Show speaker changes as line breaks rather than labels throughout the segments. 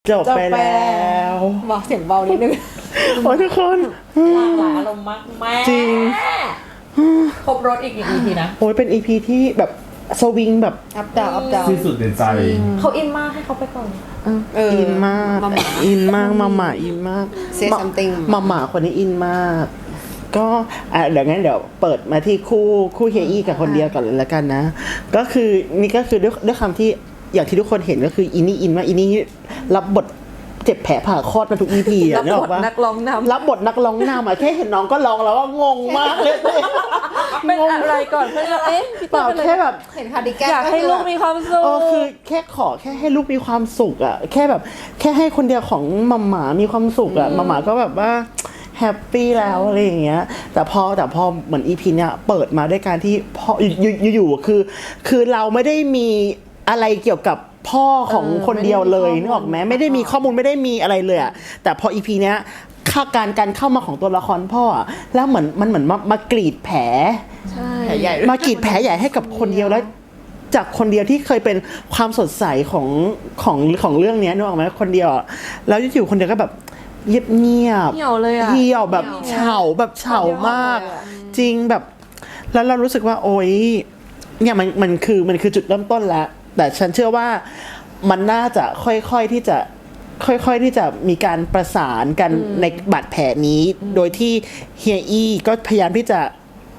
จบไปแล้ว
บอกเสียงเบานิดนึง
โอ้ทุกคน
หลากหลายอารมณ์มากแม่
จริง
ครบรถอีก1 EPนะ
โอ้ยเป็น EP ที่แบบสวิงแบบ
อัพดาวอัพดาว
ที่สุดในใจ
เขาอินมากให้เขาไปก่อน
อินมากอินมากมาม่าอินมาก
Say something
มาม่าคนนี้อินมากก็เดี๋ยวงั้นเดี๋ยวเปิดมาที่คู่เฮียอี้กับคนเดียวก่อนเลยละกันนะก็คือนี่ก็คือด้วยคำที่อย่างที่ทุกคนเห็นก็คืออินนี่อินมากอินนี่รับบทเจ็บแผลผ่าคลอดมาทุก EP อ่ะนึกออกปะ
นักร้องนำ
รับบทนักร้องนำอ่ะแค่เห็นน้องก็ร้องแล้วว่างงมากเลย
เป็นอะไรก่อนเพื่อนพี่
เปล่าแค่แบบ
เห็นคาร์ดิแกน
อยากให้ลูกมีความสุข
คือแค่ขอแค่ให้ลูกมีความสุขอ่ะแค่แบบแค่ให้คนเดียวของมัมหมามีความสุขอ่ะมัมหมาก็แบบว่าแฮปปี้แล้วอะไรอย่างเงี้ยแต่พอเหมือน EP เนี้ยเปิดมาด้วยการที่พ่ออยู่คือเราไม่ได้มีอะไรเกี่ยวกับพ่อของคนเดียวเลยนึกออกไหมไม่ได้มีข้อมูลไม่ได้มีอะไรเลยอ่ะแต่พอ EP เนี้ยการเข้ามาของตัวละครพ่ออ่ะแล้วเหมือนมันเหมือนมากรีดแผล
แผลใหญ่
มากรีดแผลใหญ่ให้กับคนเดียวแล้วจากคนเดียวที่เคยเป็นความสดใสของเรื่องนี้นึกออกไหมคนเดียวแล้วอยู่คนเดียวก็แบบเงียบ
เหี่ยวเลยอะ
เหี่ยวแบบเฉา มากจริงแบบแล้วเรารู้สึกว่าโอ๊ยเนี่ยมันคือจุดเริ่มต้นแล้วแต่ฉันเชื่อว่ามันน่าจะค่อยๆที่จะมีการประสานกันในบาดแผลนี้โดยที่เฮียอี้ก็พยายามที่จะ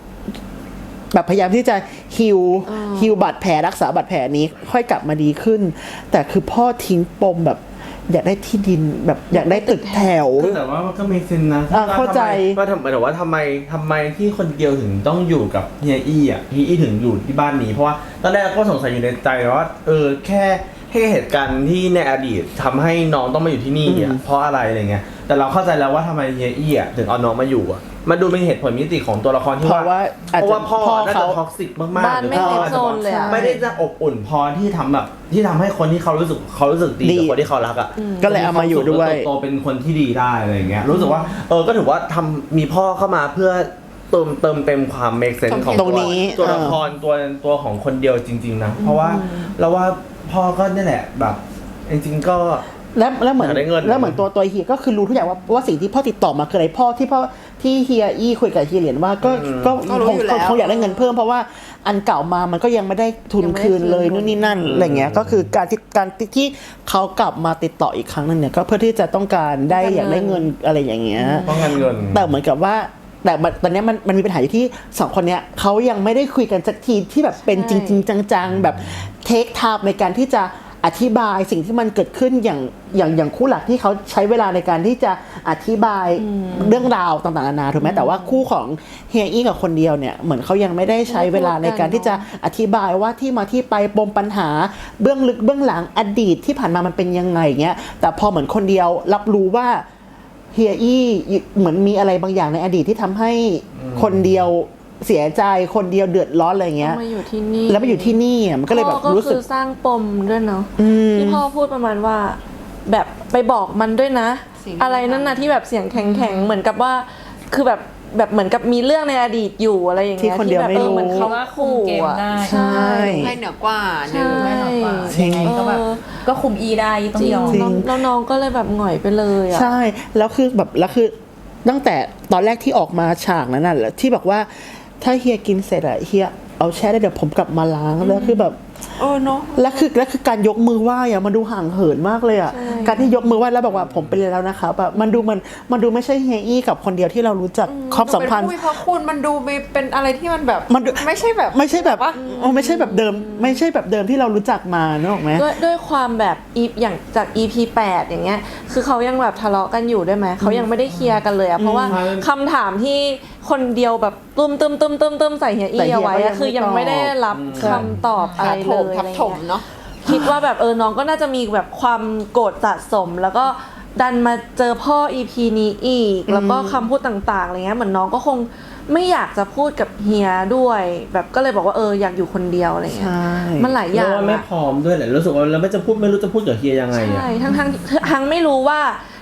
ฮิวบาดแผลรักษาบาดแผลนี้ค่อยกลับมาดีขึ้นแต่คือพ่อทิ้งปมแบบอยากได้ที่ดินแบบอยากได้ตึกแถว
แต่ว่ามันก็มีเซนนะ
เข้าใจ
ว่าทำไมที่คนเดียวถึงต้องอยู่กับเฮียอี้อ่ะเฮียอี้ถึงอยู่ที่บ้านนี้เพราะว่าตอนแรกก็สงสัยอยู่ในใจว่าแค่เหตุการณ์ที่ในอดีตทำให้น้องต้องมาอยู่ที่นี่อ่ะเพราะอะไรเงี้ยแต่เราเข้าใจแล้วว่าทำไมเฮียอี้อ่ะถึงเอาน้องมาอยู่อ่ะมันดูเป็นเหตุผลมิติของตัวละครที่ว่าพ่อน่าจะท็อกซิกมากๆ
บ้านไม่เซฟโซนเลย
ไม่ได้จะอบอุ่นพอที่ทำให้คนที่เขารู้สึกดีกับคนที่เขารักอ่ะ
ก็เลยเอามาอยู่ด้วย
โตเป็นคนที่ดีได้อะไรเงี้ยรู้สึกว่าก็ถือว่ามีพ่อเข้ามาเพื่อเติมเต็มความเมคเซนส์ของตัวละครตัวของคนเดียวจริงๆนะเพราะว่าเราว่าพ่อก็นี่แหละแบบจริงๆก็
แล้วเหมือนตัวเฮียก็คือรู้ทุกอย่างว่าสิ่งที่พ่อติดต่อมาคืออะไรพ่อที่เฮียอี้คุยกับเฮียเหรียญว่าก็คงอยากได้เงินเพิ่มเพราะว่าอันเก่ามามันก็ยังไม่ได้ทุนคืนเลยนู่นนี่นั่นอะไรเงี้ยก็คือการที่เขากลับมาติดต่ออีกครั้งนึงเนี่ยก็เพื่อที่จะต้องการได้อยากได้เงินอะไรอย่างเงี้ย
ต้องการเงิน
แต่เหมือนกับว่าแต่ตอนนี้มันมีปัญหาอยู่ที่2คนเนี้ยเขายังไม่ได้คุยกันสักทีที่แบบเป็นจริงๆจังๆแบบเทคไทม์ในการที่จะอธิบายสิ่งที่มันเกิดขึ้นอย่างคู่หลักที่เขาใช้เวลาในการที่จะอธิบายเรื่องราวต่างๆนานาถูกไหมแต่ว่าคู่ของเฮียอี้กับคนเดียวเนี่ยเหมือนเขายังไม่ได้ใช้เวลาในการที่จะอธิบายว่าที่มาที่ไปปมปัญหาเบื้องลึกเบื้องหลังอดีตที่ผ่านมามันเป็นยังไงเงี้ยแต่พอเหมือนคนเดียวรับรู้ว่าเฮียอี้เหมือนมีอะไรบางอย่างในอดีตที่ทำให้คนเดียวเสียใจคนเดียวเดือดร้อนอะไรเงี้ย
มาอยู่ที่นี่
แล้วมาอยู่ที่นี่มันก็เลยแบบรู้สึก
สร้างปมด้วยเนาะที่พ่อพูดประมาณว่าแบบไปบอกมันด้วยนะอะไรนั่นนะที่แบบเสียงแข็งๆเหมือนกับว่าคือแบบเหมือนกับมีเรื่องในอดีตอยู่อะไรอย่างเงี้ย
ที่แบบ
เหมือนเขา
คุมเกมได้
ใช่
ให้เหนือกว่า
ยัง
ไงก็คุมอีได้ต้องยอม
แล้วน้องก็เลยแบบหงอยไปเลยอ่ะ
ใช่แล้วคือตั้งแต่ตอนแรกที่ออกมาฉากนั้นน่ะที่บอกว่าถ้าเฮียกินเสร็จอะเฮียเอาแช่ได้เดี๋ยวผมกลับมาล้างแล้วคือแบบ
เนาะ
แล้วคือการยกมือไหว้อะมันดูห่างเหินมากเลยอะการที่ยกมือไหว้แล้วบอกว่าผมเป็นแล้วนะครับแบบมันดูไม่ใช่เฮียอี้กับคนเดียวที่เรารู้จักความสัมพันธ์
เพราะคุณมันดูเป็นอะไรที่มันแบบไม่ใช่แบบ
ไม่ใช่แบบเดิมไม่ใช่แบบเดิมที่เรารู้จักมาเนอะถูกไหม
ด้วยความแบบอย่างจาก EP 8อย่างเงี้ยคือเขายังแบบทะเลาะกันอยู่ด้วยไหมเขายังไม่ได้เคลียร์กันเลยอะเพราะว่าคำถามที่คนเดียวแบบตุ้มใส่เฮียอี้เอาไว้คือยังไม่ได้รับคำตอบอะไรเลยทับถมเนาะคิดว่าแบบน้องก็น่าจะมีแบบความโกรธสะสมแล้วก็ดันมาเจอพ่อ EP นี้อีกแล้วก็คำพูดต่างๆอะไรเงี้ยเหมือนน้องก็คงไม่อยากจะพูดกับเฮียด้วยแบบก็เลยบอกว่าอยากอยู่คนเดียวอะไรเงี้ยมันหลายอย่าง
ไม่พร้อมด้วยแหละรู้สึกว่าเราไม่รู้จะพูดกับเฮียยังไง
ใช่ทั้งไม่รู้ว่า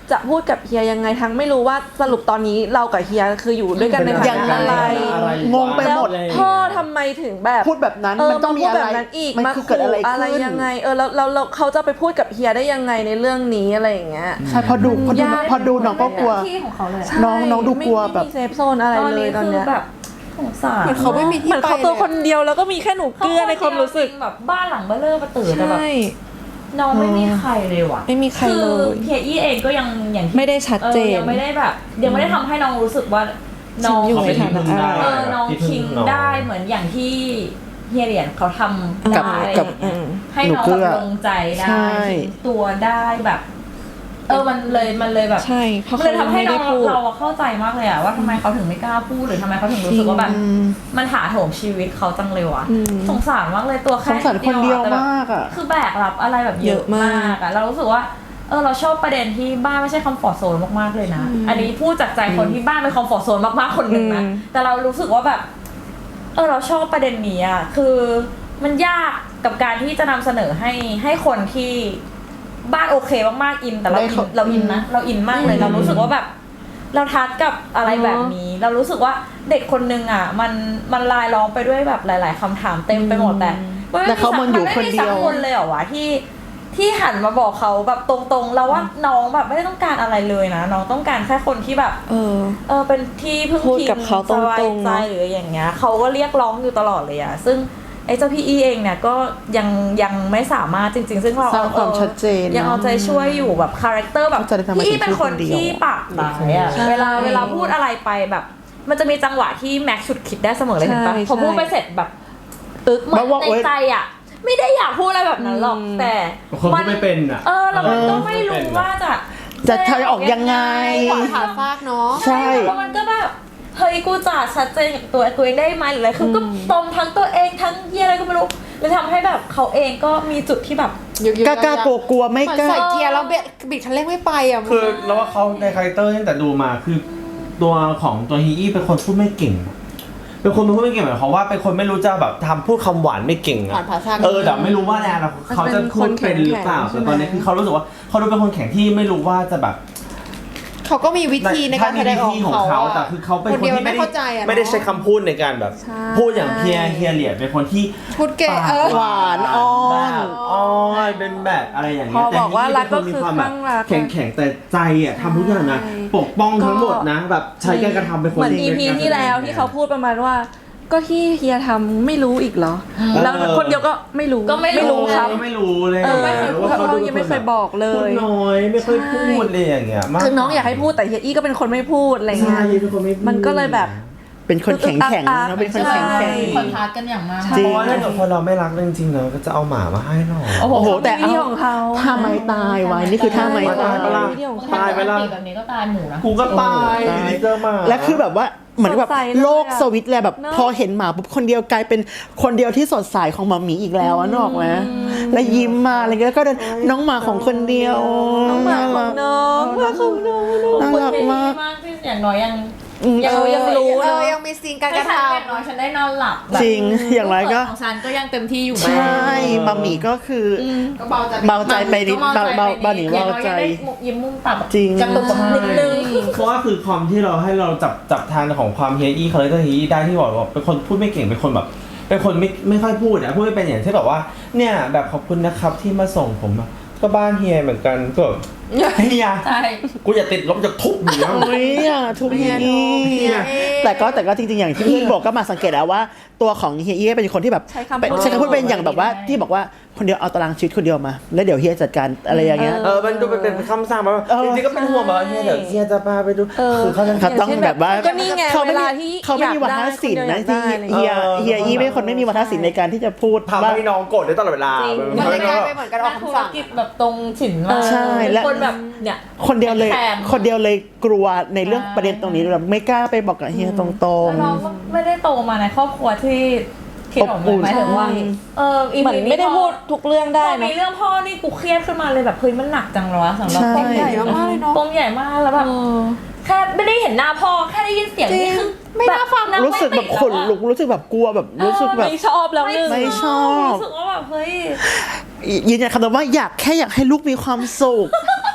จะพูดกับเฮียยังไงทั้งไม่รู้ว่าสรุปตอนนี้เรากับเฮียคืออยู่ด้วยกันในฐานะอะไร
งงไปหมด
แล้วพ่อทำไมถึงแบบ
พูดแบบนั้นมันต้องมี
พูด
อะไร
แบบนั้นอีก
มัน
มา
คือเกิดอะไร
อะไร
ขึ้น
ยังไงแล้วเขาจะไปพูดกับเฮียได้ยังไงในเรื่องนี้อะไรอย่างเงี้ย
ใช่พอดูน้องก็กลัว
ที่ของเขาเลยอะ
น้องดูกลัวแบบ
ไม่มีเซฟโซนอะไรเลยตอนเนี้ย
คือแบบสงสาร
เหมือนเขาไม่มีที่
เหมือน
ไป
เขาตัว
เลย
คนเดียวแล้วก็มีแค่หนูเกลือในความรู้สึก
แบบบ้านหลังเบ้อเร่อประตื่นแต่แบบ
ใช่
น้องไม่มีใครเลยว่ะ
ไม่มีใคร
คือ
เลย
เฮียอี้เองก็ยังอย่างที่
ไม่ได้ชัดเจน
ยังไม่ได้แบบยังไม่ได้ทำให้น้องรู้สึกว่าน้อง
ฉันอยู่ในฐานะอะไร
น้องคิงได้เหมือนอย่างที่เฮียเหรียญเขาทำ
กับ
ได้
กับ
ให้น้อง
หนูเกลื
แบ
อ
บลงใจได้
ใช่
ทิ้งตัวได้แบบมันเลยแบบ
ใช่เพราะ
มันเลยทำให้
ไม่
น้
ได้
อง
พูด
เราเข้าใจมากเลยอะว่าทำไมเขาถึงไม่กล้าพูดหรือทำไมเขาถึงรู้สึกว่าแบบมันถาโถมชีวิตเขาจังเลยวะสงสารมากเลยตัวแค่
สงสารคนเดียว
แต่แบบ
มากอ่ะ
คือแบกรับอะไรแบบเยอะมากอะเรารู้สึกว่าเราชอบประเด็นที่บ้านไม่ใช่คอมฟอร์ทโซนมากๆเลยนะอันนี้พูดจากใจคนที่บ้านเป็นคอมฟอร์ทโซนมากๆคนหนึ่งนะแต่เรารู้สึกว่าแบบเราชอบประเด็นนี้อะคือมันยากกับการที่จะนำเสนอให้คนที่บ้านโอเคมากๆอินแต่เราอินนะเราอินมากเลยเรารู้สึกว่าแบบ เราทัดกับอะไรแบบนี้ เรารู้สึกว่าเด็กคนนึงอ่ะมันลายล้อมไปด้วยแบบหลาย ๆคำถามเต็มไปหมดแต่
เขามันอยู่คนเดียว
ไม่มีสักคนเลยเหรอวะที่หันมาบอกเขาแบบตรงๆแล้วว่าน้องแบบไม่ได้ต้องการอะไรเลยนะน้องต้องการแค่คนที่แบบเป็นที่พึ่ง
พูด
พิง
กับเขาตรงๆ
สบายใจ
เนอะ
หรืออย่างเงี้ยเขาก็เรียกร้องอยู่ตลอดเลยอ่ะซึ่งไอ้เจ้าพี่อีเองเนี่ยก็ยังไม่สามารถจริงๆซึ่งเรา
สร้างความชัดเจน
ยังเอาใจช่วยอยู่แบบคาแรคเตอร์แบบ
เขาจะได้ทำไม
พี่อีเป็นคน
ถึงพูดคนเดียว
ที่ปากหมายอ่ะเวลาพูดอะไรไปแบบ มันจะมีจังหวะที่แม็กซ์ฉุดคิดได้เสมอเลยเห็นปะ
ใช่
พอพูดไปเสร็จแบบตึกเหมือน
ว่า
ในใจอ่ะไม่ได้อยากพูดอะไรแบบนั้นหรอกแต่
คนพูดไม่เป็นอ่ะ
แล้วมันก็ไม่รู้ว่าจะ
ทำออกยังไง
ขวางขาฟากเนาะ
ใช่
แล้วมันก็แบบเฮ้ยกูจะชัดเจนกับตัวเองได้ไหมหรืออะไรคือก็ตรงทั้งตัวเองทั้งเยี่ยอะไรก็ไม่รู้เลยทำให้แบบเขาเองก็มีจุดที่แบบ
กล้ากลัวไม่
เหมือน
กล้า
ใส่เกียร์แล้วบิดคันเร่งไม่ไปอ่ะ
คือเราว่าเขาในคาแรคเตอร์ตั้งแต่ดูมาคือตัวของตัวฮีอี้เป็นคนพูดไม่เก่ง เป็นคนพูดไม่เก่งหมายความว่าเป็นคนไม่รู้จะแบบทำพูดคำหวานไม่เก่ง
ผ่านภาษา
แต่ไม่รู้ว่าในอนาคตเขาจะพูดเป็นหรือเปล่าแต่ตอนนี้คือเขารู้สึกว่าเขาดูเป็นคนแข็งที่ไม่รู้ว่าจะแบบ
เขาก็มีวิธีในการแสดงออก
ของเขาแต่คือเขาเป็นคนที่
ไม่เข้าใจอะ
ไม่ได้ใช้คำพูดในการแบบ พูดอย่างเฮียเหรียญเป็นคนที่
พูดเก่ง
หวานอ้อน
แบบอ้อนเป็นแบบอะไรอย่างเงี้ย
พอบอกว่ารักก็คือ
แต่ฮี่เป็นนมีความแบบ
ข้างรัก
แข็งแต่ใจอ่ะทำทุกอย่างนะปกป้องทั้งหมดนะแบบใช้การกระทำเป็นคน
เหมือน
ดี
EP ที่แล้วที่เขาพูดประมาณว่า ก็ที่เฮียทำไม่รู้อีกเหรอ แล้วคนเดียวก็ไม่รู้
ก็ไม่รู้
ครับ
ไม่รู้เลย
ไม่เคยพูดกับเขายังไม่เคยบอกเล
พูด
ย
น้อยไม่ค่อยพูดเลยอย่างเงี้ยมาก
คือน้องอยากให้พูดแต่เฮียอี้ก็เป็นคนไม่พูดอะไร
ใช่
เงี้ย
เป็นคนไม่พูด
มันก็เลยแบบ
เป็นคนแข็งแข็ง
อึกอัก
นะเป็นคนแข็งแข็ง
คอนทราสต์กันอย่างมาก
จริ
เพ
ง
ราะว่าถ้าเกิดคนเราไม่รักจริงๆเราก็จะเอาหมามาให้หน่อย
โอ้โหแต่
วิธีของเขา
ท่าไม้ตายไว้นี่คือท่าไม้ตาย
ตาย
วิธีของเขา
ตายไปแล้ว
แบบนี้ก็ตายหมูนะ
กูก็ตายอยู่ดีเจอหมา
และคือแบบว่าเหมือนแบบ
สดใสเลยอะ
โลกสวิตช์เลยแบบ
เนอะ
พอเห็นหมาปุ๊บคนเดียวกลายเป็นคนเดียวที่สดใสของหมาหมีอีกแล้วอะนึกออกไหมแล้วยิ้มมาอะไรเงี้ยแล้วก็เดินน้องหมาของคนเดียว
น้องหมาของน้องหมาของน้อง
น่ารักมาก
ที่อย่างน้อยยัง
ยังรู้
ยังมีซีนการกระท
อย่างน้อยฉันได้นอนหลับ
จริงอย่างไรก็
ของฉันก็ยังเต็มที่อยู่
ใช่หมาหมีก็คืออ
ำก็เบาใจ
เบาใจไปนิดเบาหนีเบาใจ
ยิ้มมุมปาก
จริง
กระตุกนิดนึง
เพราะว่าคือความที่เราให้เราจับทางของความเฮียอี้คาแรคเตอร์เฮียอี้ได้ที่บอกว่าเป็นคนพูดไม่เก่งเป็นคนแบบเป็นคนไม่ค่อยพูดพูดไม่เป็นอย่างที่แบบว่าเนี่ยแบบขอบคุณนะครับที่มาส่งผมอะก็บ้านเฮียเหมือนกันก็เฮีย
ใช่
กูอย่าติดลบจะทุบอยู่แล้ว
โอ้ยอ่ะทุกอย่างแต่ก็จริงๆอย่างที่พี่บอกก็มาสังเกตแล้วว่าตัวของเฮียเอี้เป็นคนที่แบบ
ใช้คำพูด
ใช้คำพูดเป็นอย่างแบบว่าที่บอกว่าคนเดียวเอาตารางชีวิตคนเดียวมา แล้วเดี๋ยวเฮียจัดการอะไรอย่างเงี้ย
มันดูเป็นคำสั่งมา
เออ
จริงๆก็เป็นห่วงแบบว่าเฮียเดี๋ยวเฮียจะพาไปดูคือเขาจะ
เขาต้องแบบว่า
ก็นี่ไง
เขาไม่
เว
มี
ลาที่
เขาไม่มีวัฒนศิลป์นะที่เฮียอี้เป็นคนไม่มีวัฒนศิลป์ในการที่จะพูด
ทำ
ว่า
ให้น้องโกรธได้ตลอดเวลา
มัน
ทำ
ไม่
ให้น้
ก
อง
ลาย
แบบ
เป็นเหมือนการออก
ธุ
คำ
ร
สั่ง
กิจแบบตรงฉินมาก
ใช่และ
คนแบบเนี่ย
คนเดียวเลย
แทน
คนเดียวเลยกลัวในเรื่องประเด็นตรงนี้แบบไม่กล้าไปบอกกับเฮียตรง
แล้วเราก็ไม่ได้โตมาในครอบครัวที่คิดออก
อบอุ่น
หมายถึงว่า
เหมือนไม่ได้พูดทุกเรื่อง
พ
ได้
อ
นะ
มีเรื่องพ่อนี่กูเครียดขึ้นมาเลยแบบเฮ้ยมันหนักจังเลยวะสำหรับ
ใช่
ปมใหญ่มากเลยเนาะปมใหญ่มากแล้วแบบแค่ไม่ได้เห็นหน้าพ่อแค่ได้ยินเสียงนี่คือไม่น่าฟังนะ
รู้สึกแบบขนลุกรู้สึกแบบกลัวแบบรู้สึกแบบ
ไม่ชอบแล้วหนึ่ง
ไม่ชอบ
รู้สึกว่าแบบเฮ้ย
ยืนยันคำเดิมว่าอยากให้ลูกมีความสุข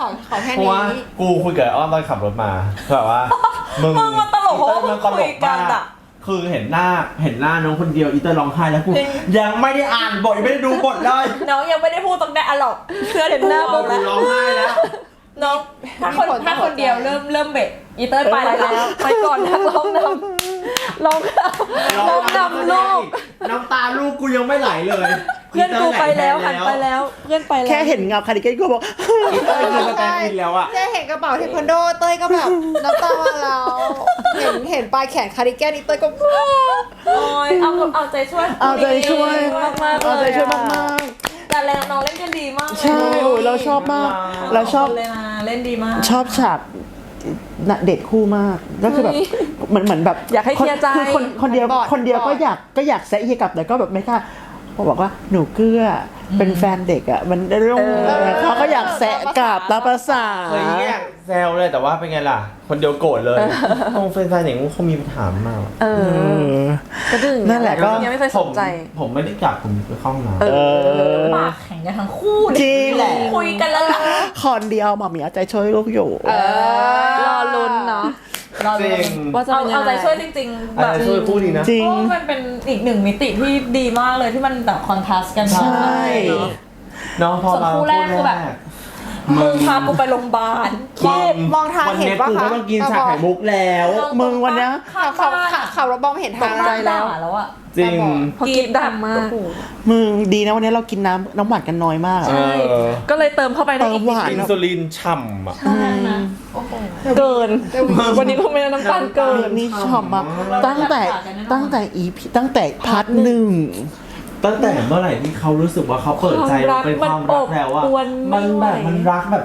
ขอแค่
เพราะ
นี้
ว่ากูคุยกับอ้อมตอนขับรถมาแบบว่ามึง
มันตลกเพราะว่า
มันตล
คุ
ก
ยกัน
มาก
อะ
คือเห็นหน้าน้องคนเดียวอีเตอร์ร้องไห้แล้วกูยังไม่ได้อ่านบทยังไม่ได้ดูบทเลย
น้องยังไม่ได้พูดตรงนั้นอะหรอกเพื่อนเห็นหน้าปุ๊บ
กูร้องไห้แล้ว
น้องถ้าคนเดียวเริ่มเบะอีเตอร์ไปแล้วไปก่อนนะร้องนำลูก
น้ำตาลูกกูยังไม่ไหลเลย
เพื่อนกูไปแล้วหันไปแล้วเพื่อนไปแล้ว
แค่เห็นเงาคาร์ดิแกนก็บอก
อีเตอร์คือสแตนด์อินแล้วอะ
เจ๊เห็นกระเป๋าเทควันโดเต้ยก็แบบน้ำตามาแล้วเห็นปลายแขนคาร์ดิแกนนี่เต้ยก็
โอ้ยเอาใจช่วย
เอาใจช่วย
มากๆ
เอาใจช่วยมาก
แต่แรงน้องเล่นกันดีมาก
ๆใช่โอ้ยเราชอบมาก เราชอบ
เลยนะเล่นดีมาก
ชอบฉากเด็ดคู่มากก็คือแบบเหมือนแบบ
อยากให้เคลียร์ใจ
คือคนเดียวก็อยากแซะเฮียกลับแต่ก็แบบไม่กล้าเขาบอกว่าหนูเกื้อเป็นแฟนเด็กอ่ะมันเรื่องเขาก็อยากแซะกลับตามภาษา
เคยแยกแซวเลยแต่ว่าเป็นไงล่ะ คนเดียวโกรธเลยตรงแฟนๆอย่างนี้เขามีปัญหามาก
กระดึง
นั่นแหละก็
ยังไม่เคยสนใจ
ผมไม่ได้กลับผมไปเข้าห้องน้ำ
ปากแข็งกันทั้งคู่
จริง
แหละคุยกันแล้วล่ะ
คอนเดียวหมอหมีเอาใจช่วยลูกอยู่
รอลุ้นเนาะ
จริง
ว่าจะเป็นยังไง
เอาใจช่วยจริงๆ
อะ
แบ
ไร
บ
ช่วยพูดดีนะ
จริง
เพราะว่ามันเป็นอีกหนึ่งมิติที่ดีมากเลยที่มันแบบคอนทราสต์กัน
ใช่
เนาะ
น้องพอ
ส่วน
มา
คู่แรกคือแบบ มึงพากูไปโรงพยาบาล
มองทางเห็นปะ
วันนี้กู
คะ
ไม่ต้องกินชาไข่มุกแล้ว
มึงวันเนี้ย
ขับรถมองไม่เห็นทาง
ตกใจ
แล้วแล้วอะ
จริง
พอกินดังมาก
มึงดีนะวันนี้เรากินน้ำหวานกันน้อยมากอะ
เออ
ก็เลยเติมเข้าไปได้
เติ
อี
ม
ก
หวาน
อินซูลินฉ่ำอ่ะ
ใช่นะโอ้โห
เกิน วันนี้คงไม่ได้น้ำตาลเกิน
นี่ชอบมากตั้งแต่ EP ตั้งแต่พาร์ทหนึ่ง
ตั้งแต่เมื่อไหร่ที่เขารู้สึกว่าเขาเปิดใจว่าเป็นความรักแล้วอะ
มันอบอวล
มันแบบ
ไม่ไหว
มันรักแบบ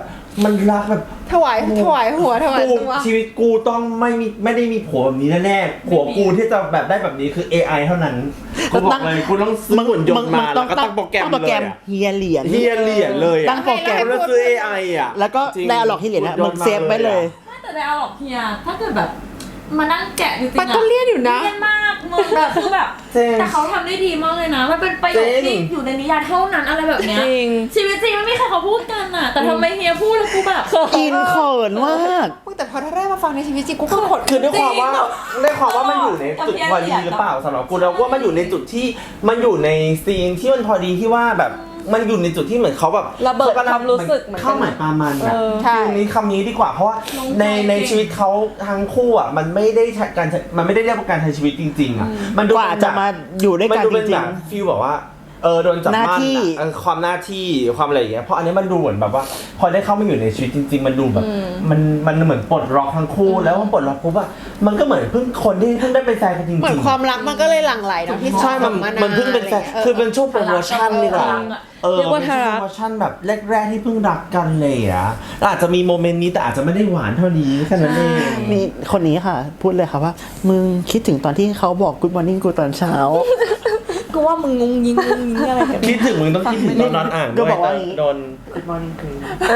ถวายหัวถวาย
กู
ตัว
ชีวิตกูต้องไม่ได้มีผัวแบบนี้แน่ๆผัวกูที่จะแบบได้แบบนี้คือ AI เท่านั้นกูบอกเลยกูต้องซื้อหุ่นยนต์มาแล้วก็ตั้งโปรแกรม
ตั้งโปร
เล
แกร
ย
ม
อะ
เฮียเหรียญ
เฮียเหรียญเลย
ตั้
อะ
งโปรแกรม
แล้วซื้อ AI อะ
แล้วก็
จริง
ได้หลอกที่เหรียญนะมึงเซฟไว้เลย
แต่ในเอาหรอกเฮียถ้าเกิดแบบมานั่งแกะจริงๆ
มันก็เลี่ยนอยู่นะ
เลี่ยนมากมึงแบบคือแบบ
จริง
แต่เขาทำได้ดีมากเลยนะ มันเป็นประโยค
จริ
ที่
ง
อยู่ในนิยายเท่านั้นอะไรแบบเนี้ย
จริง
ชีวิตจริงไม่มีใครเขาพูดกันอ่ะ แต่ทำไมเฮียพูดแล้วกูแบบ
อินเขินมาก
แต่พอถ้าได้มาฟังในชีวิตจริงกูก็ขด
คือด้วยความว่ามันอยู่ในจุดพอดีหรือเปล่าสำหรับกูแล้วว่ามันอยู่ในจุดที่มันอยู่ในซีนที่มันพอดีที่ว่าแบบมันอยู่ในจุดที่เหมือนเขาแบบ
ระเบิดความรู้สึกเหมือนกัน
เข้าหมายปลามันอะ
ใช่
คือนี้คำนี้ดีกว่าเพราะว่าในชีวิตเขาทั้งคู่อะมันไม่ได้เรียกว่าการใช้ชีวิตจริงๆอะมันดู
กว่าจะมาอยู่ด้วยกัน
มันดู
จ
เป็น
ริ
แบ
ง
บฟีลแบบว่าโดนจับ
หน้า
มั่น
ที่
อะความหน้าที่ความอะไรอย่างเงี้ยเพราะอันนี้มันดูเหมือนแบบว่า พอได้เข้ามาอยู่ในชีวิตจริง ๆ มันดูแบบมันเหมือนปลดล็อกทั้งคู่แล้วพอปลดล็อกปุ๊บอะมันก็เหมือนเพิ่งคนที่เพิ่งได้เป็นแฟนกันจริงๆ
เหมือนความรักมันก็เลยหลั่งไหลเนาะพี่
ใช่มันเพิ่งเป็นแฟนคือเป็นช่วงโปรโมชั่นดีกว่า
เรียกว่า
เป็นช่วงโปรโมชั่นแบบแรกๆที่เพิ่งรักกันเลยอะอาจจะมีโมเมนต์นี้แต่อาจจะไม่ได้หวานเท่านี้แค่นั้นเอง
ๆนี่คนนี้ค่ะ พูดเลยค่ะว่า มึงคิดถึงตอนที่เขาบอก Good Morning กูตอนเช้า
กูว่ามึงงงยิงอะไรกัน
คิดถึงมึงต้องคิดถึงตอนนอนอ่าง
ก็
ด้วย
บอกว่าอย่างนี้
โดน
Good Morning กู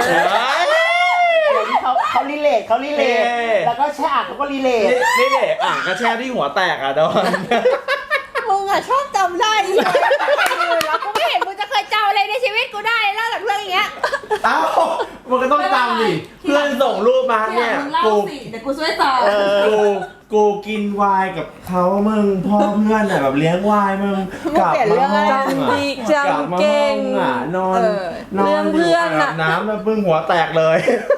เขารีเลทแล้วก็แช่อ่างเขาก็รีเลท
นี่เด็กอ่างกระแช่ที่หัวแตกอ่ะโดน
มึงอะชอบจำได้อีกแล้วกูไม่เห็นมึงจะเคยจำอะไรในชีวิตกูได้นอกจากเรื่องอย่างเงี้ย
เอ้ามันก็ต้องจำดิเพื่อนส่งรูปมา
เนี่
เนี่ย ย
มึงเล่า
กู
สิเดี๋ยวกูช่วยตอบ
กูกินไวน์กับเขามึงพ่อเพื่อนอ่ะแบบเลี้ยงไวน์มึงกลับมาห้อง
จำดีจำเก่ง
อ่ะนอน
เรื่องเพื่อนอะ
น้ำแล้วพึ่งหัวแตกเลย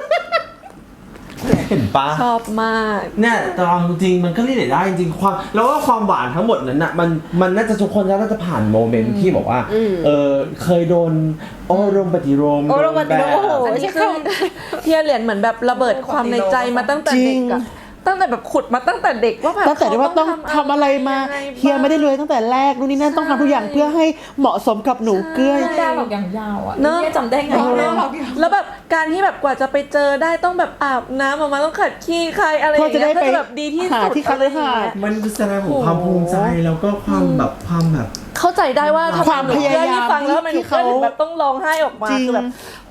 เห็นปะ
ชอบมาก
เนี่ยแต่เอาจริงมันก็เรียกได้จริงความแล้วก็ความหวานทั้งหมดนั้นน่ะมันน่าจะทุกคนน่าจะผ่านโมเมนต์ที่บอกว่าเคยโดนโอ้รมปฏิโรม
โอ้รมปฏิโรมโอ้โห
อันนี้คือเทียเหรียญเหมือนแบบระเบิดความในใจมาตั้งแต่เด็กอะตั้งแต่แบบขุดมาตั้งแต่เด็กว่าแบบ
ตั้งแต่ที่ว่าต้องทำอะไรมาเฮียไม่ได้รวยตั้งแต่แรกนู่นนี่นั่นต้องทำทุกอย่างเพื่อให้เหมาะสมกับหนูเกื้อ
ได้หรอกอย่างยาวอ่ะ
เนอะ
เฮียจำได้ไง
แล้วแบบการที่แบบกว่าจะไปเจอได้ต้องแบบอาบน้ำออกมาต้องขัดขี้ใครอะไรอย่างเงี้ย
เพื่อจะได้ไป
เพื่อแบบดีที่
หา
สุด
ที่คฤหาสน์
มันคือแสดงของความภูมิใจแล้วก็ความแบบ
เข้าใจได้ว่าทำไ
ความพยายาม
หนูเพื่อนที่ฟังแล้วทำไมหนู
ที่
เพื่อน
เขา
ถึงแบบต้องร้องไห้ออกมา
จริง
คือแบบโห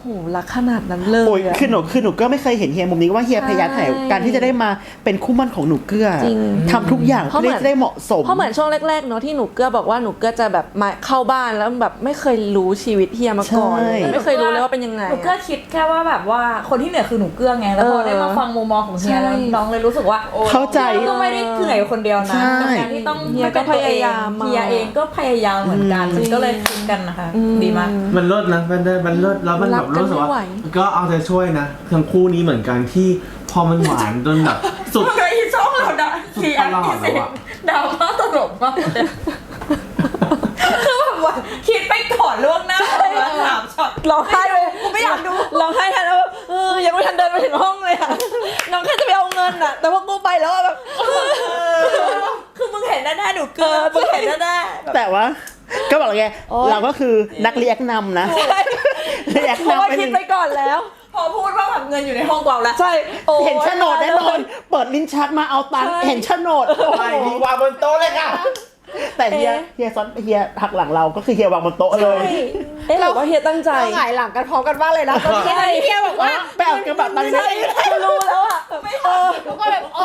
โหรักขนาดนั้นเลย
โอ้ย
อะ
คือหนูก็ไม่เคยเห็นเฮียมุมนี้ว่าเฮียพยายามถ่ายการที่จะได้มาเป็นคู่หมั่นของหนูเกื้อ
จริง
ทำทุกอย่างเพื่อที่จะได้เหมาะสม
เพราะเหมือนช่วงแรกๆเนาะที่หนูเกื้อบอกว่าหนูเกื้อจะแบบมาเข้าบ้านแล้วแบบไม่เคยรู้ชีวิตเฮียมาก่อน
ใช่
ไม่เคยรู้เลยว่าเป็นยังไง
หนูเกื้อคิดแค่ว่าแบบว่าคนที่เหนื่อยคือหนูเกื้อไงแล้วพอได้มาฟังมุมมองของเฮียแล้วน้องเลยรู้สึกว่าโอ้
เข้าใจ
ก็ไม่ได้เหนื่อยคนเดียวนะ
ใช่
กับการที่ต้อง
เฮียก็พยายาม
เฮียเองก็พยายามเหมือนกันมันก็เลยคิดกันนะคะดีมาก
มันเลิศนะมันเลิศแล้วมันแบบรู้สึกว่าก็เอาใจช่วยนะทั้งคู่นี้เหมือนกันที่พอมันหวานจนแบบสุด
เคยช่องเราด่า
สุดตลอดแล้วอะ
ดราม่าตลกมากเลยคือแบบว่าคิดไปก่อนล่วงหน้าว่าถามช็อต
ร้องไห้เลย
กูไม่อยากดู
ร้องไห้แทนแล้วแบบยังไม่ทันเดินไปถึงห้องเลยอะน้องแค่จะไปเอาเงินอะแต่ว่ากูไปแล้วอะแบบ
คือมึงเห็นแน่ๆหนูเกินมึงเห็นแน่ๆแบบ
แต่ว่าก็บอกเลยไง
โอ๊ย
เราก็คือนักเรียกนำนะเรียก
เพราะว่าน
ำ
คิดไปก่อนแล้ว
พอพูดว่าแบบเงินอยู่ในห้องกวางแล้ว
ใช่โอ้
เห็นโฉนดแน่นอนเปิดลิ้นชักมาเอาตังค์เห็นโฉนด
ไปดีวางบนโต๊ะเลยค่ะ
แต่เฮียซ้อนเฮียหักหลังเราก็คือเฮียวางบนโต๊ะเลย
เอ๊ะหรือว่าเฮียตั้งใจ
เราหงายหลังกันพร้อมกันบ้างเลยนะตอนที่เฮียบอกว่า
ไปเอากระบะตังค์นี้
กูรู้แล้วอะ
แล้วก็แบบ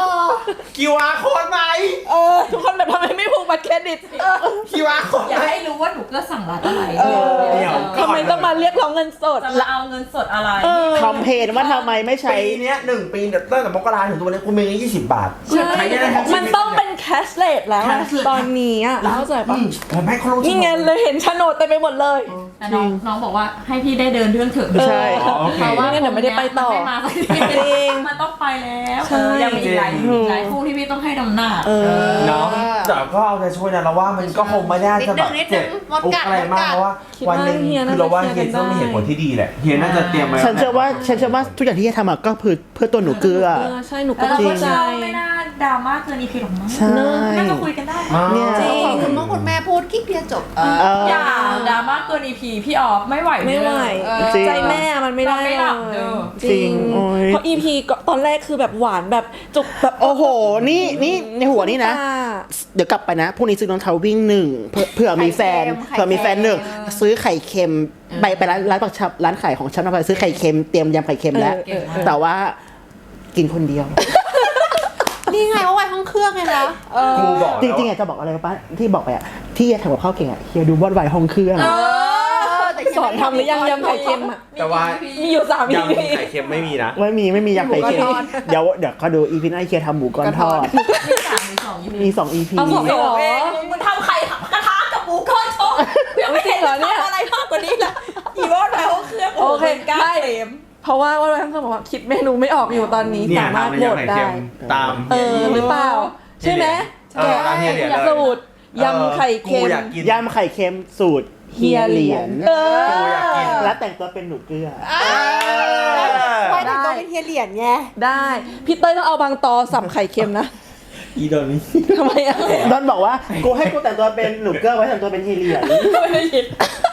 QR code ไหม
ทุกคนแบบทำไมไม่ผูกบัตรเครดิต
QR code
อยากให้รู้ว่าหนูเกินสั่งร้านอะไร
เดี๋ยว
ทำไมต้องมาเรียกร้องเงินสด
จะมาเอาเงินสดอะไร
คอมเพลนว่าทำไมไม่ใช้
ปีเนี้ย1 ปีตั้งแต่มกราถึงตัวนี้กูมีเงิน20 บาท
ใช่
ใช้ได้ทั้งชีวิต
มันต้องเป็นแคชเลสแล้วอะ
cashless
ตอนนี้อะเข้าใจปะ
ผมให้เขาลง
นี่ไงเลยเห็นโฉนดเต็มไปหมดเลย
แต่น้องบอกว่าให้พี่ได้เดินเรื่องเถอะ
ใช่
โอเค
เพราะว่า
ไม่งั้นเดี๋ยวไม่ได้ไปต่อ
มันไม่มาสักที
จริง
มันต้องไปแล้ว
ใช่
ยังมีอีกหลายคู่ที่พี่ต้องให้นำหน้า
เนาะแต่ก็เอาใจช่วยนะเราว่ามันก็คงไม่ได้จะแบบ
นิดนึ
เจ็บ
งมด
อุก
กัด
อะไรมาก
มดกัด
เพราะว่า
คิดว่า
วันหนึ่ง
เฮียน่า
คือเราว่า
จะ
เฮีย
เคลียร์กัน
ต้องมีเหตุผลที่ดีแหละเฮียน่าจะเตรียมไว้
ฉันเชื่อว่าทุกอย่างที่เฮียทำอะก็เพื่อตัวหนูเกลือ
ใช่หนูก็
แล้ว
เข้า
ก็
ใจ
ไม่น่าดราม่าเกินอีพีหรอกมั้ง
ใช่
น่าจะคุยกันได้
เนี่ย
จริง
คุณพ่อคุณแม่พูดกิ๊กเดียวจบ
อย่าดราม่าเกินอีพีพี่ออฟไม่ไหว
ไม่ไหว
จริง
ใจแม่มันไม่ได้
นอนไม่หลับเด้อ
จริง
โอ้ย
เพราะ EP ก็ตอนแรกคือแบบหวานแบบจุกแบบ
โอ้โห นี่ในหัวนี่นะ
ตา
เดี๋ยวกลับไปนะพรุ่งนี้ซื้อรองเท้าวิ่งหนึ่งเผื่อมีแฟน
ไข่เค็ม
เผื่อมีแฟนหนึ่งซื้อไข่เค็มไปร้านปักชับร้านขายของชับไปซื้อไข่เค็มเตรียมยำไข่เค็มแล้ว แต่ว่ากินคนเดียว
นี่ไงว่าไว้ห้องเครื่องไงนะ
กูบอก
จริงๆอะจะบอกอะไรป้าที่บอกไปอะที่เฮียทำกับข้าวเก่งอะเฮียดูวอดไวห้องเครื่อง
แต่
สอนทำหรือยังยำไข่เค็มอ่ะ
แต่ว่า
มีอยู่3
ยำ
EP
ไข่เค็มไม่มีนะ
ไม่มียำไข่เค็ม
หมูก้อนทอด
เดี๋ยวเขาดูอีพีหน้าเฮียทำหมูก้อนทอด
มี3มี2อีพี
มี2 EP
เอาสอง
ไม่บอกเองมึงทำไข่กระทะกับหมูก้อนทอดยังไม่เห็น
เหรอเนี่ย
ทำอะไรมากกว่านี้ละอีวอนแล้วเครื่อง
โอเค
ก้า
ได้
เต็ม
เพราะว่าทั้งสองบอกว่าคิดเมนูไม่ออกอยู่ตอนนี้
เนี่ย
สามารถ
ทำ
โหว
ยำ
ต
ไข่
ได้
เค็มตาม
หรือเปล่า ใช่ไหม
ตามเฮียเหรียญเลย
สูตรยำไข่เค็ม
กูอยากกิน
ยำไข่เค็มสูตรเฮียเหรียญ
กูอยากกิน
และแต่งตัวเป็นหนูเกลือ
ไว้แต่งตัวเป็นเฮียเหรียญไง
ได้พี่เต้ยต้องเอาบางตอสับไข่เค็มนะ
อีดอนนี้
ทำไมอ่ะ
ดอนบอกว่ากูให้กูแต่งตัวเป็นหนูเกลือไว้แต่งตัวเป็นเฮียเหรียญ
ไม่ได้ยิน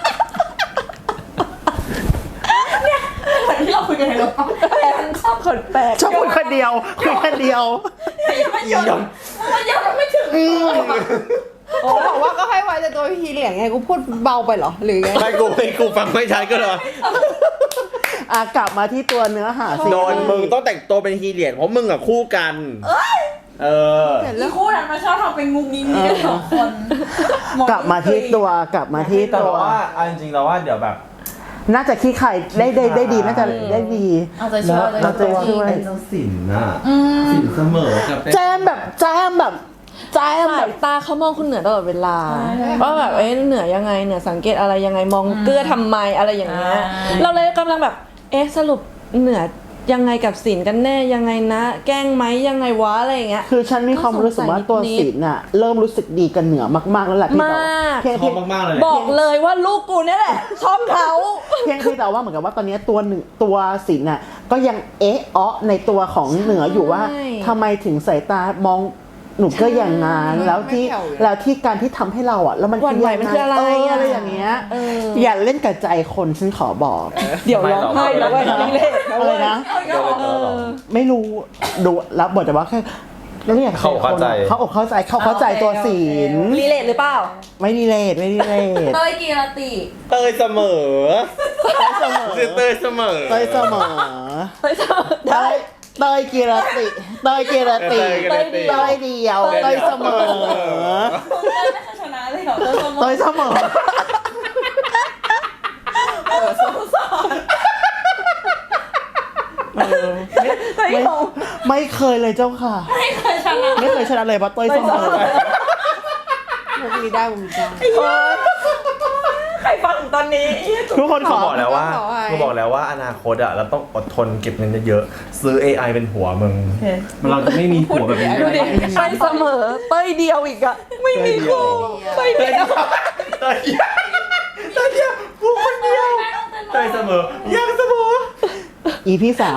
เนี่ยเหมือนที่เราคุยกันในรถมันชอบ
คนแปลก
ชอบคุยคนเดียวคุยคนเดียว
ยังไม่หยุดมันยังไม่ถึง
เขาบอกว่าก็ให้ไว้แต่ตัวเป็นเฮียเหรียญไงกูพูดเบาไปเหรอหรือไง
ไม่กูฟังไม่ชัดก็เลย
กลับมาที่ตัวเนื้อหาสิ
โดนมึงต้องแต่งตัวเป็นฮีเหรียญเพราะมึงอะคู่กัน เออ
อีคู่นั้นมันชอบทำเป็นงุ้งงิ้งนี่กัน2 คน
กลับมาที่ตัว
แต่ว่าเอาจริงๆเราว่าเดี๋ยวแบบ
น่าจะขี้ไข่ได้ดีน่าจะได้ดี
เอาใจช่วย
แล้วจะช่วย
ไอ้เจ้าสินน่ะสินเสมอกับ
แจมแบบ
สายตาเขามองคุณเหนือตลอดเวลาว่าแบบเหนือยังไงเหนือสังเกตอะไรยังไงมองเกลือทำไมอะไรอย่างเงี้ยเราเลยกำลังแบบสรุปเหนือยังไงกับศิลป์กันแน่ยังไงนะ แกล้งไหมยังไงวะอะไรอย่างเงี้ย
คือฉันมีความรู้สึกว่าตัวศิลป์น่ะเริ่มรู้สึกดีกันเหนือมากๆแล้วแหละที่แบบ
มาก
เพียง
ชอบมากๆเลย
บอกเลยว่าลูกกูเนี่ยแหละชอบเขา
เพียงแต่ว่าเหมือนกับว่าตอนนี้ตัวศิลป์น่ะก็ยังในตัวของเหนืออยู่ว่าทำไมถึงสายตามองหนูก็อย่างนั้นแล้วที่การที่ทำให้เราอ่ะแล้วมัน
หวั่นไหวมันคืออะไร
อะไรอย่างเงี้ยอย่าเล่นกับใจคนฉันขอบอก
เดี๋ยวร้องไห้แล้วเว้ยนี่เละแล้ว
อะไร
เว้ย
นะ ไม่รู้ดูรับบทแต่ว่าแค่แล้วเนี่ย
เขาเข้าใจ
เขาเข้าใจเขาเข้าใจตัวศีล
รีเลทหรือเปล่า
ไม่ดีเลทไม่ดีเลท
เต้ยกีรติ
เตยเสมอ
เสมอ
เตยเสมอ
เตยเสมอ
ได้
เตยกีรติเตยกีรติ
เตยกีรติ
เตยเดียวเตยเสมอ
เต้ยไม่เคยชนะเลยเหรอเต้ย
เตยเสมอ ไม่เคยเลยเจ้าค่ะ
ไม่เคยชนะ
ไม่เคยชนะเลยเพราะเตยเสมอ
มุกนี้ได้มุกนี้ได้
ใครฟังถึงตอนนี้
ทุกคนข
เขา
อ
บอกแล้วว่า
ขอให้
เขาบอกแล้วว่าอนาคตอ่ะเราต้องอดทนเก็บเงินเยอะๆซื้อ AI เป็นหัวมึงเราจะไม่มีหัวแบบนี้
ดูดิไปเสมอเต้ยเดียวอีกอะไม่มีคู่เต้ยเดียว
เตยเดียวเตยเดียวผู้คนเดียวเตยเสมอยังเสมอ
อีพี่สาว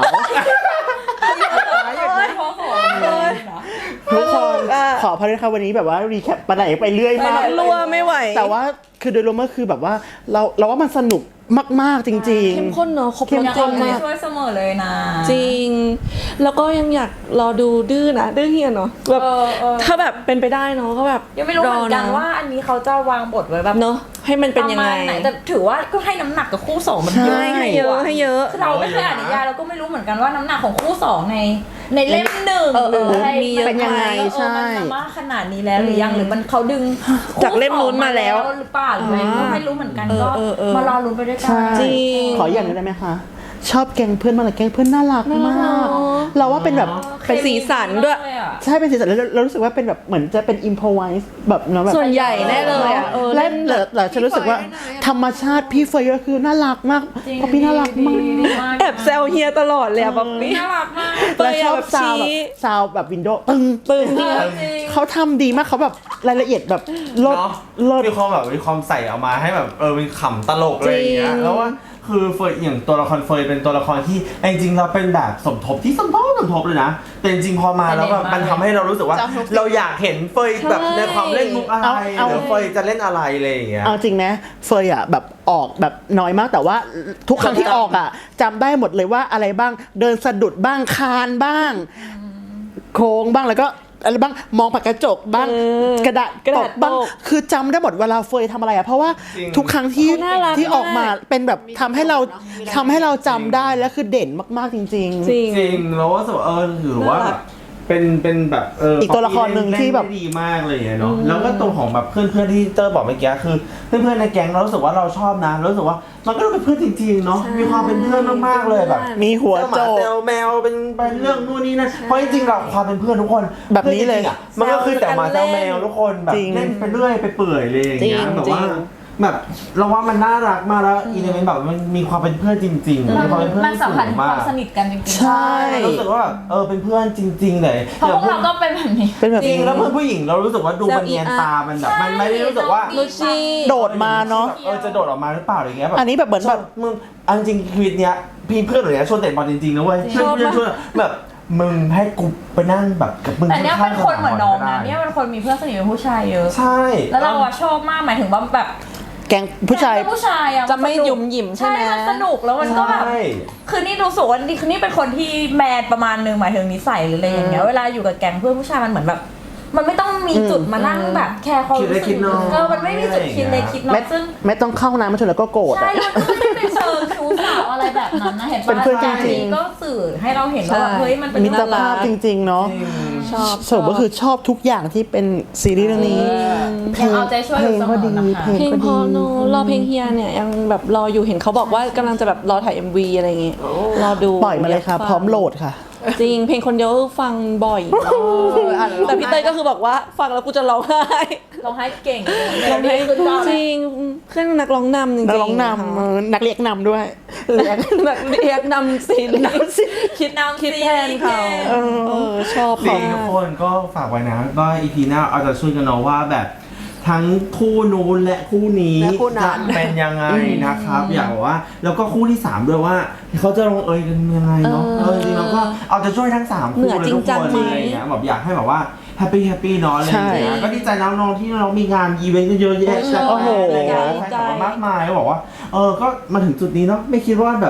ทุกคนขอพาด้วยค่ะวันนี้แบบว่ารีแคปไปไหนไปเรื่อยมาก
รัวไม่ไหว
แต่ว่าคือโดยรวมก็คือแบบว่าเราว่ามันสนุกมากๆจริง
เข้มข้นเนอะครบรส
ยัง
จริ
เอา
ง
ใจ
อะ
ช่วยเสมอเลยนะ
จริง แล้วก็ยังอยากรอดูดื้อนะดื้อเฮียเนาะแบบ
เออ
ถ้าแบบเป็นไปได้เนาะก็แบบ
ยังไม่รู้เหมือนกัน
ร
ว่าอันนี้เขาจะวางบทไว้แบบ
เนาะให้มันเป็นยังไง
ประมาณหนแต่ถือว่าก็ให้น้ำหนักกับคู่สองมัน
ใช่
เยอะ
ให้เยอะให้เยอะ
คือเราไม่เคยอ่านนิยายเราก็ไม่รู้เหมือนกันว่าน้ำหนักของคู่สองในเล่มหนึ่ง
เออ
หรืออะไร
มีเยอะ
เป็นยังไง
ใช่
ใช่
มันมากขนาดนี้แล้วหรือยังหรือมันเขาดึง
จากเล่มนู้นมาแล้ว
หรือเปล่าหรืออะไรก็ไม่รู้เหมือนกันก็
เออ
มารอลุ้นไปด้วยกั
ใช่
จริง
ขออย่างหนึงได้ไหมคะ ชอบแกงเพื่อนมากเลยแกงเพื่อนน่ารักมาก เราว่าเป็นแบบ
เป็นสีสันด้วย
ใช่เป็นสีสันแล้วเรารู้สึกว่าเป็นแบบเหมือนจะเป็นอิมพอไวส์แบบเนาะแบบ
ส่วนใหญ่แน่เลยอะ
และแต่ฉันรู้สึกว่าธรรมชาติพี่เฟย์ก็คือน่ารักมากเพราะพี่น่ารักมาก
แอบแซวเฮียตลอดเลยอะป๊อปปี้
น่ารักมาก
และชอบ
แบบ
ซาวแบบ
ชี้
ซาวแบบวินโดว์ตึง
จริง
เขาทำดีมากเขาแบบรายละเอียดแบบลด
เนาะ
ลด
มีความแบบมีความใส่เอามาให้แบบมีขำตลกอะไรอย่างเงี้ย
จริง
แล้วว่าคือเฟยอย่างตัวละครเฟยเป็นตัวละครที่จริงๆเราเป็นแบบสมทบที่สมทบเลยนะแต่จริงๆพอมาแล้วแบบมันทำให้เรารู้สึกว่า เราอยากเห็นเฟยแบบในความเล่นมุกอะไรหรือเฟยจะเล่นอะไรอะไรอย่างเงี้ย
เอาจริงนะเฟยอ่ะแบบออกแบบน้อยมากแต่ว่าทุกครั้งที่ออกอ่ะจำได้หมดเลยว่าอะไรบ้างเดินสะดุดบ้างคานบ้าง โค้งบ้างแล้วก็อะไรบ้างมองผ่านกระจกบ้างกระดาษ
กระ
ต
ดาษ
กบ้าง
ตก
คือจำได้หมดเวลาเฟยทำอะไรอ่ะเพราะว่า
จริง
ทุกครั้งที่
เขาน่ารัก
ที่ออกมาม
าก
เป็นแบบทำให้เราจำได้และคือเด่นมากๆจริง
จริง
จริงแล้วว่าถือว่าแบบเป็นแบบ
อีกตัวละครหนึ่งที่แบบ
เล่นได้ดีมากเลยเนาะแล้วก็ตัวของแบบเพื่อนๆที่เตอร์บอกเมื่อกี้คือเพื่อนๆในแก๊งเรารู้สึกว่าเราชอบนะรู้สึกว่ามันก็เป็นเพื่อนจริงๆเนาะ
ใช่
มีความเป็นเพื่อนมากๆเลยแบบ
มีหัว
เซลห
โจ
มาก เซลแมวเป็นเรื่องนู่นนี่นั่นเพราะจริงๆเราความเป็นเพื่อนทุกคน
แบบนี้เลย
พื่อจริงๆอะมันก็คือแต่หมาเซลแมวทุกคนแบบ
จริง
เล่นไปเรื่อยไปเปื่อยเลยอย่างเงี้ย
จริง
แบบว่า
จริง
แบบเราว่ามันน่ารักมากแล้วอีเลเมนต์แบบมันมีความเป็นเพื่อนจริงๆมีความเป็นเพื่อน
มันสัมผัสถึง
มาว
คาก มสนิทกันจริงๆ
ใช่
รู้สึกว่าแบบเป็นเพื่อนจริงๆเลย
เพราะพวกเราก็เป็นแบบนี้
เป็นแบบ
จริง
นี้
แล้วเพื่อนผู้หญิงเรารู้สึกว่าดูมันเนียนตามันแบบมันไม่ได้รู้สึกว่า
ลูชี่
โดดมาเนาะ
จะโดดออกมาหรือเปล่าอะไรเงี้ยแบบ
อันนี้แบบเหมือนแบบ
มึงอันจริงชีวิตเนี้ยพี่เพื่อนหรือเนี้ยชวนเตะบอลจริงๆนะเว้ย
ชอบมาก
ชวนแบบมึงให้กูไปนั่งแบบกับมึง
แต่เนี้ยเป็นคนเหมือนน้องนะ
ข้างๆ
เนี่ยเป็นคนมีเพื่อนสนิทเป็นผู้ชายเยอะ
ใช่
แล้วเราอะชอบมากหมายถึงว่าแบบ
แกงผู้ชาย
ผู้ชายอะ
จะไม่
นสนุก
หยุ่มหยิมใช่ไหม
มันสนุกแล้วมันก็แบบ
ใช่
คือนี่รู้สึกว่านี่คือนี่เป็นคนที่แมนประมาณนึงหมายถึงนิสัยหรืออะไรอย่างเงี้ยเวลาอยู่กับแก๊งเพื่อนผู้ชายมันเหมือนแบบ มันไม่ต้องมีจุดมานั่งแบบแคร์ความรู้สึกมันไม่มีจุดคิดเล็กคิดน้อยซึ่ง
ไม่ต้องเข้าน้ำมาชนแล้วก็โกรธ
ใช่
อะ
มันก็ไม่ได้เป็นเชิงชู้สาวอะไรแบบนั้นนะเห็น
เป็นเพื่อนจริงๆ
อันี้ก็สื่อให้เราเห็นว่าแบบ
ใช่
เฮ้ยมันเป็น
มิตรภาพจริงๆเนาะ
ชอบ
สรุปก็คือชอบทุกอย่างที่เป็นซีรีส์เรื่องนี้
ยังเอาใจช่วย
เพ
อ
ล
ยู่
ง
เสม
ก็
อ
ดี
นะคะ
เพลง
เพลง
ก็
พอ
ดี
โนรอเพลงเฮียเนี่ยยังแบบรออยู่เห็นเขาบอกว่ากำลังจะแบบรอถ่าย MV อะไรอย่างงี้รอดู
ปล่อยมาเลยค่ะ
กฟัง
พร้อมโหลดค่ะ
จริงเพลงคนเดียวฟังบ่อยแต่พี่เต้ยก็คือบอกว่าฟังแล้วกูจะร้องไห้
ร้องไห้เก่ง
ร้องไห้
คือตอน
จริงเพื่อนนักร้องนำจริงๆ
นักร้องนำนักเรียกนำด้วยเรียก
นักเรียกนำซีรีส์คิดแทนเขาชอบ
จริ
เขา
งทุก
มาก
คนก็ฝากไว้นะก็อีพีหน้าเอาจะช่วยกันเนาะว่าแบบทั้งคู่นู้นและคู่นี้
และคู่นั้
จะ
น
เป็นยังไงนะครับ อยากบอกว่าแล้วก็คู่ที่3ด้วยว่าเขาจะลงเอยกันยังไงเนาะจริงๆเราก็เอาจะช่วยทั้ง3คู่เลยทุกคนอะไรอย่างเงี้ยแบบอยากให้แบบว่าแฮปปี้เนาะอะไรอย่างเงี้ยก็ดีใจน้องๆที่เรามีงานอีเวนต์กันเยอะแยะ
โอ้โห
อะไรอย่างเงี้ยใครมากมายก็บอกว่าก็มาถึงจุดนี้เนาะไม่คิดว่าแบบ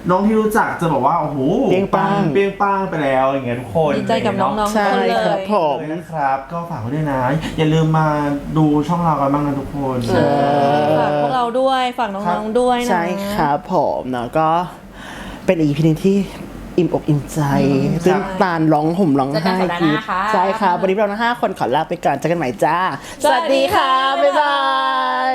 น้องที่รู้จักจะบอกว่าโอ้โห
เปรี้ยงปัง
เปรี้ยงปังไปแล้วอย่างเงี้ยทุกคน
ดีใจกับน้องๆ
ใช่
ทุกคนเล
ครับ
ย
ผม
เลยนะครับก็ฝากไว้ด้วยนะ อย่าลืมมาดูช่องเรากันบ้างนะทุกคน
ฝากพวกเราด้วย ฝากน้องๆด้วยนะ
ใช่ครับผมเนาะก็เป็นอีพีนึงที่อิ่มอกอิ่มใจซึ่งตาลร้องห่มร้องไห้
เจอกันสัปดาห์หน้าค่ะ
ใช่ครับวันนี้เราทั้ง5 คนขอลาไปก่อนเจอกันใหม่จ้า
สวัสดีค่ะ
บ๊ายบาย